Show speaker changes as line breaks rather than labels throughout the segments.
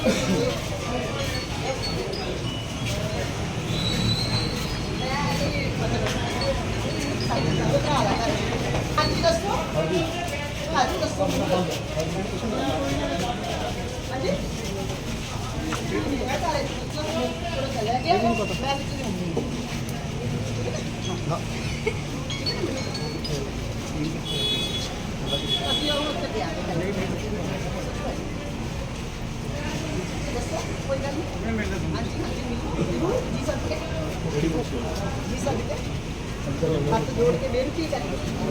ਹਾਂਜੀ ਦੱਸੋ। ਹਾਂਜੀ ਦੱਸੋ। ਹਾਂਜੀ ਮੈਂ ਤਾਰੇ ਥੋੜਾ ਚੱਲਿਆ ਗਿਆ ਮੈਂ ਵਿੱਚ ਨਹੀਂ ਹੁੰਦੀ ਅਸੀਂ ਉਹ ਉੱਤੇ ਪਿਆ ਦੱਸੋ ਕੋਈ ਗੱਲ ਨਹੀਂ। ਹਾਂਜੀ ਜੀ ਸਰ ਜੀ ਸਰ ਹੱਥ जोड़ के बेनती करें।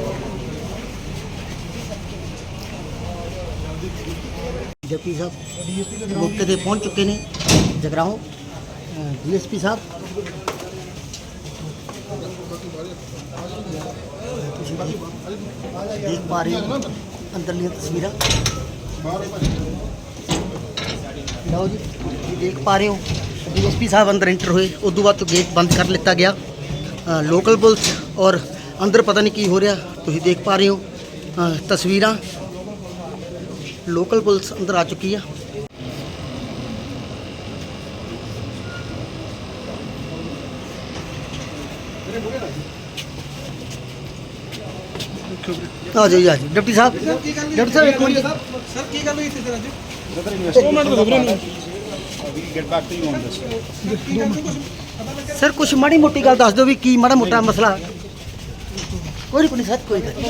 डिप्टी साहब मौके पर पहुंच चुके हैं जगराहों। DSP साहब देख पा रहे हो अंदरली तस्वीर लो जी, देख पा रहे हो DSP साहब अंदर इंटर हुए। उदों बाद तो गेट बंद कर लिता गया। लोकल पुलिस और अंदर पता नहीं की हो रहा, तुम देख पा रहे हो तस्वीर। लोकल पुलिस अंदर आ चुकी है। आ जाइए आ जाइए डिप्टी साहब। डिप्टी साहब एक मिनट
सर की गल हुई थी सर
सर कुछ माड़ी मोटी गल दस दो भी की माड़ा मोटा मसला। कोई नहीं सर कोई गल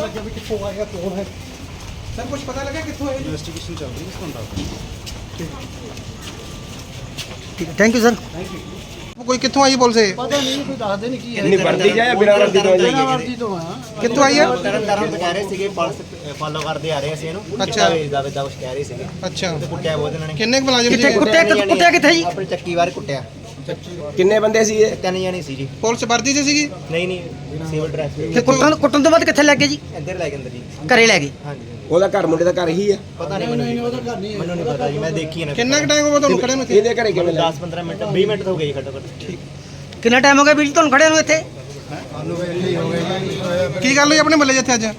सर कुछ पता लगा कितों है
इन्वेस्टिगेशन चल रही है इस कॉन्ट्रैक्ट।
ठीक है थैंक यू सर।
कोई कितों आई पुलिस है
पता नहीं कोई दस दे नहीं की
नहीं वर्दी जाए बिना वर्दी तो
वर्दी तो हां
कितों आई है।
ਤਰਨਤਾਰਨ ਤੋਂ ਕਹਿ ਰਹੇ ਸੀਗੇ ਪੁਲਿਸ ਫਾਲੋ ਕਰਦੇ ਆ ਰਹੇ ਅਸੀਂ ਇਹਨੂੰ।
ਅੱਛਾ।
ਦਾ ਕੁਝ ਕਹਿ ਰਹੇ ਸੀਗੇ।
ਅੱਛਾ
ਤੇ ਕੁੱਟਿਆ ਬਹੁਤ ਇਹਨਾਂ ਨੇ।
ਕਿੰਨੇ ਕੁ ਮੁਲਾਜ਼ਮ
ਕਿੱਥੇ
ਸੀ
ਕੁੱਟਿਆ ਕਿੱਥੇ ਜੀ?
ਆਪਣੀ ਚੱਕੀ ਵਾਰ ਕੁੱਟਿਆ।
ਕਿੰਨੇ ਬੰਦੇ ਸੀ ਇਹ?
3 ਜਣੇ ਸੀ ਜੀ।
ਪੁਲਿਸ ਵਰਦੀ 'ਚ ਸੀਗੀ।
ਨਹੀਂ ਸਿਵਲ ਡਰੈਸ
ਤੇ ਕੁੱਟਣ ਤੋਂ ਬਾਅਦ ਕਿੱਥੇ ਲੈ ਗਏ ਜੀ?
ਇੱਧਰ ਲੈ ਕੇ ਅੰਦਰ ਜੀ।
ਘਰੇ ਲੈ ਗਏ।
ਹਾਂਜੀ
ਉਹਦਾ ਘਰ ਮੁੰਡੇ ਦਾ ਘਰ ਹੀ ਹੈ।
ਪਤਾ ਨਹੀਂ ਮੈਨੂੰ ਨਹੀਂ ਪਤਾ ਜੀ, ਮੈਂ ਦੇਖੀ ਨਾ।
ਕਿੰਨਾ ਕੁ ਟਾਈਮ ਹੋ ਗਿਆ ਤੁਹਾਨੂੰ ਖੜੇ ਨੂੰ ਇੱਥੇ?
ਇਹਦੇ ਘਰੇ ਕਿਵੇਂ ਲੱਗਾ?
10-15 ਮਿੰਟ 20 ਮਿੰਟ ਤਾਂ ਹੋ ਗਏ ਜੀ ਘੱਟੋ ਘੱਟ।
ਕਿੰਨਾ ਟਾਈਮ ਹੋ ਗਿਆ ਵੀਰ ਜੀ ਤੁਹਾਨੂੰ ਖੜਿਆਂ ਨੂੰ ਇੱਥੇ?
ਕੀ ਗੱਲ ਹੋਈ ਆਪਣੇ ਮੱਲੇ 'ਚ ਇੱਥੇ ਅੱਜ?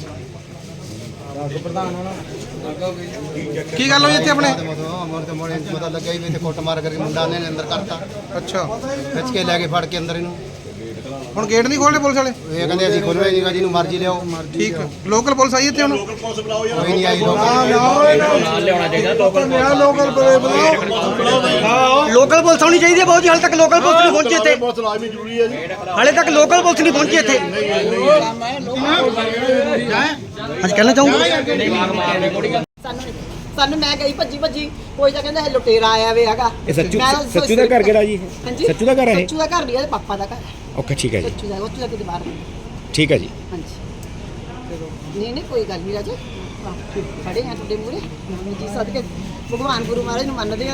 ਕੀ ਗੱਲ ਹੋਈ ਇੱਥੇ ਆਪਣੇ?
ਪਤਾ ਲੱਗਾ ਹੀ ਵੀ ਇੱਥੇ ਕੁੱਟ ਮਾਰ ਕਰਕੇ ਮੁੰਡਾ ਨੇ ਅੰਦਰ ਕਰਤਾ।
ਅੱਛਾ
ਖਿੱਚ ਕੇ ਲੈ ਕੇ ਫੜ ਕੇ ਅੰਦਰ ਇਹਨੂੰ।
ਹੁਣ ਗੇਟ ਨਹੀਂ ਖੋਲ੍ਹਦੇ ਪੁਲਿਸ ਵਾਲੇ?
ਇਹ ਕਹਿੰਦੇ ਅਸੀਂ ਖੋਲ੍ਹਣਾ ਹੀ ਨਹੀਂਗਾ, ਜਿਹਨੂੰ ਮਰਜ਼ੀ ਲਿਆਓ।
ਠੀਕ ਲੋਕਲ ਪੁਲਿਸ ਆਈ ਇੱਥੇ ਹੁਣ?
ਕੋਈ ਨਹੀਂ ਆਈ।
ਲੋਕਲ ਪੁਲਿਸ ਆਉਣੀ ਚਾਹੀਦੀ ਹੈ ਬਹੁਤ ਜੀ। ਹਾਲੇ ਤੱਕ ਲੋਕਲ ਪੁਲਿਸ ਨਹੀਂ ਪਹੁੰਚੀ ਇੱਥੇ। ਹਾਲੇ ਤੱਕ ਲੋਕਲ ਪੁਲਿਸ ਨਹੀਂ ਪਹੁੰਚੀ ਇੱਥੇ। ਅੱਜ ਕਹਿਣਾ ਚਾਹੂੰਗਾ
ਸਾਨੂੰ ਮੈਂ ਗਈ ਭੱਜੀ ਕੋਈ ਤਾਂ ਕਹਿੰਦਾ ਇਹ ਲੁਟੇਰਾ ਆਇਆ ਵੇ ਹੈਗਾ।
ਇਹ ਸੱਚੂ ਦਾ ਘਰ ਕਿਹੜਾ ਜੀ?
ਹਾਂਜੀ
ਸੱਚੂ ਦਾ ਘਰ ਹੈ?
ਸੱਚੂ ਦਾ ਘਰ ਨਹੀਂ, ਇਹਦੇ ਪਾਪਾ ਦਾ ਘਰ ਹੈ।
ਓਕੇ ਠੀਕ ਹੈ ਜੀ।
ਸੱਚੂ ਦਾ ਕਿਤੇ ਬਾਹਰ।
ਠੀਕ ਹੈ ਜੀ।
ਹਾਂਜੀ ਨਹੀਂ ਕੋਈ ਗੱਲ ਨਹੀਂ ਰਾਜੇ। ਖੜੇ ਆ ਤੁਹਾਡੇ ਮੂਹਰੇ ਜੀ ਸਦਕੇ ਭਗਵਾਨ ਗੁਰੂ ਮਹਾਰਾਜ ਨੂੰ ਮੰਨਦੇ ਆ।